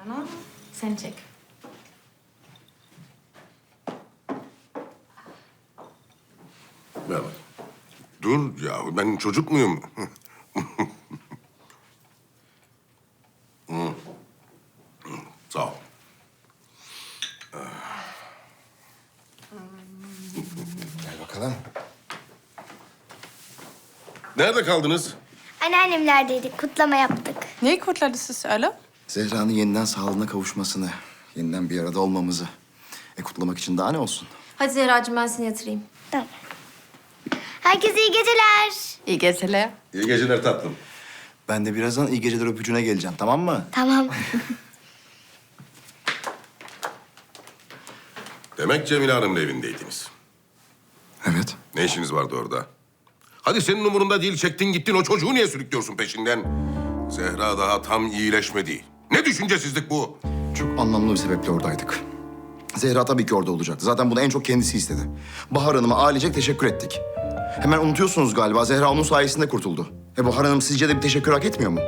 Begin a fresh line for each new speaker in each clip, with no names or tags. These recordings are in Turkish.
Rana, sen çek.
Ver bak. Dur ya, ben çocuk muyum? Sağ ol.
Gel bakalım.
Nerede kaldınız?
Anneannemlerdeydik, kutlama yaptık.
Neyi kutladı siz öyle?
Zehra'nın yeniden sağlığına kavuşmasını, yeniden bir arada olmamızı. Kutlamak için daha ne olsun?
Hadi Zehra'cığım ben seni yatırayım.
Tamam. Herkese iyi geceler.
İyi geceler.
İyi geceler tatlım.
Ben de birazdan iyi geceler öpücüğüne geleceğim, tamam mı?
Tamam.
Demek Cemile Hanım'la evindeydiniz.
Evet.
Ne işiniz vardı orada? Hadi senin umurunda değil, çektin gittin, o çocuğu niye sürüklüyorsun peşinden? Zehra daha tam iyileşmedi. Ne düşüncesizlik bu?
Çok anlamlı bir sebeple oradaydık. Zehra tabii ki orada olacaktı. Zaten bunu en çok kendisi istedi. Bahar Hanım'a ailecek teşekkür ettik. Hemen unutuyorsunuz galiba. Zehra onun sayesinde kurtuldu. Bahar Hanım sizce de bir teşekkür hak etmiyor mu?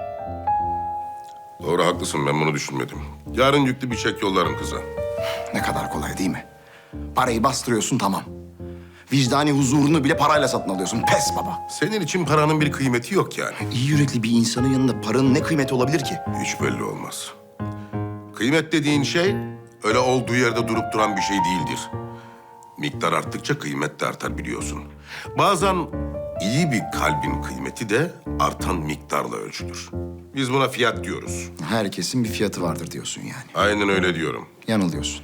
Doğru, haklısın, ben bunu düşünmedim. Yarın yüklü bir çek yollarım kıza.
Ne kadar kolay değil mi? Parayı bastırıyorsun, tamam. Vicdani huzurunu bile parayla satın alıyorsun. Pes baba.
Senin için paranın bir kıymeti yok yani.
İyi yürekli bir insanın yanında paranın ne kıymeti olabilir ki?
Hiç belli olmaz. Kıymet dediğin şey öyle olduğu yerde durup duran bir şey değildir. Miktar arttıkça kıymet de artar, biliyorsun. Bazen iyi bir kalbin kıymeti de artan miktarla ölçülür. Biz buna fiyat diyoruz.
Herkesin bir fiyatı vardır diyorsun yani.
Aynen öyle diyorum.
Yanılıyorsun.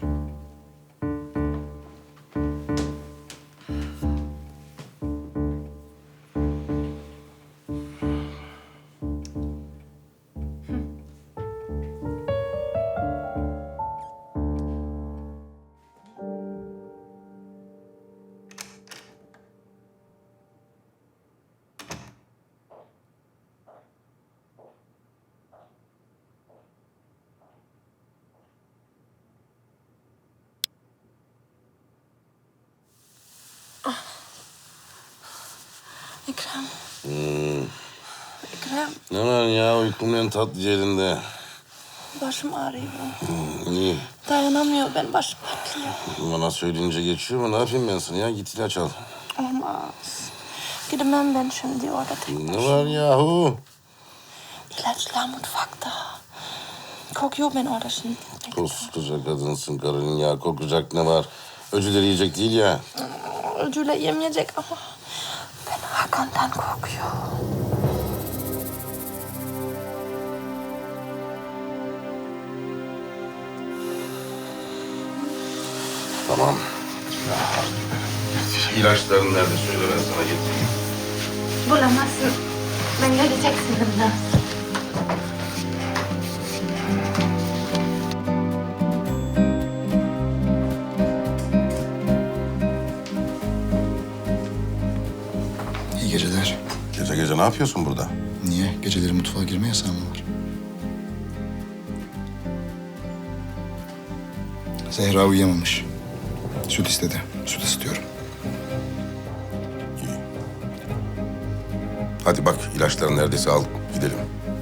Ekrem. Ekrem,
Ne var ya, uykum en tatlı yerinde.
başım ağrıyor.
İyi.
Dayanamıyor, ben başım patlıyor.
Bana söyleyince geçiyor mu? Ne yapayım ben sana ya? Git ilaç al.
Olmaz. Gidemem ben şimdi orada tek
Ne
başıma.
var yahu?
İlaçlar mutfakta. Kokuyor ben orada şimdi.
Koskoca kadınsın, karının ya. Kokacak ne var? Öcüleri yiyecek değil ya.
Öcüyle yemeyecek ama ben Hakan'dan korkuyor.
Tamam. İlaçların nerede? Söyle, ben sana getireyim.
Bulamazsın. Ben göreceksin burada.
İyi geceler.
Gece gece ne yapıyorsun burada?
Niye? Geceleri mutfağa girme yasağı mı var? Zehra uyuyamamış. Süt istedi. Süt ısıtıyorum.
İyi. Hadi bak, ilaçların neredeyse al, gidelim.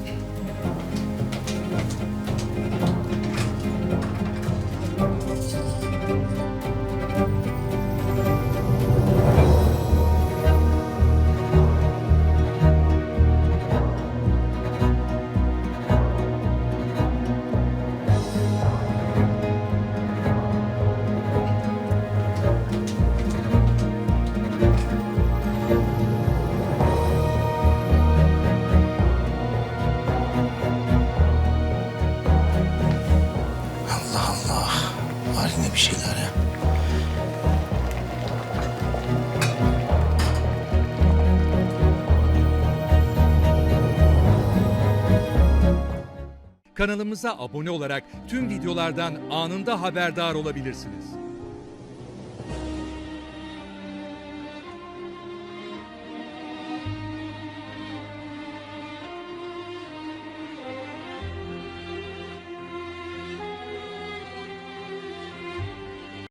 Allah Allah. Var yine bir şeyler ya.
Kanalımıza abone olarak tüm videolardan anında haberdar olabilirsiniz.